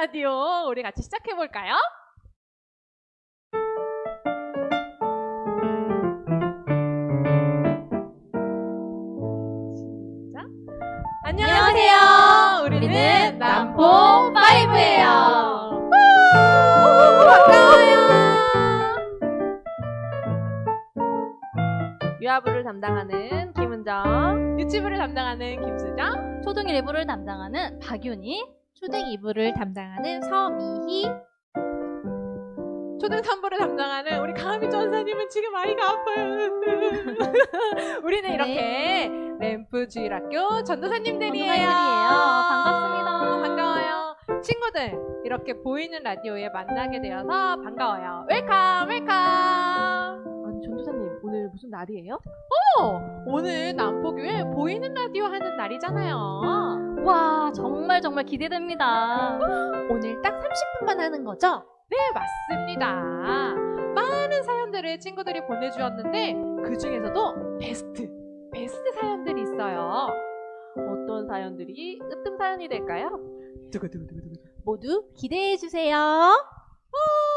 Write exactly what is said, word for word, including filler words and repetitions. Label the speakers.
Speaker 1: 라디오 우리 같이 시작해 볼까요? 시작. 안녕하세요. 우리는 남포 파이브예요. 반가워요. 유아부를 담당하는 김은정, 유치부를 담당하는 김수정,
Speaker 2: 초등 일 부를 담당하는 박윤희,
Speaker 3: 초등 이 부를 담당하는 서미희,
Speaker 1: 초등 삼 부를 담당하는 우리 가미 전사님은 지금 아이가 아파요. 우리는
Speaker 2: 네.
Speaker 1: 이렇게 램프 주일학교 전도사님들이에요.
Speaker 2: 전도사님들이에요. 반갑습니다.
Speaker 1: 반가워요. 친구들, 이렇게 보이는 라디오에 만나게 되어서 반가워요. 웰컴, 웰컴.
Speaker 3: 아니 전도사님 오늘 무슨 날이에요?
Speaker 1: 어, 오늘 남포교회 보이는 라디오 하는 날이잖아요.
Speaker 2: 와, 정말 정말 기대됩니다.
Speaker 3: 오늘 딱 삼십 분만 하는 거죠?
Speaker 1: 네, 맞습니다. 많은 사연들을 친구들이 보내주었는데 그 중에서도 베스트, 베스트 사연들이 있어요. 어떤 사연들이 으뜸 사연이 될까요? 두구두구두구두구.
Speaker 3: 모두 기대해 주세요.
Speaker 1: 어,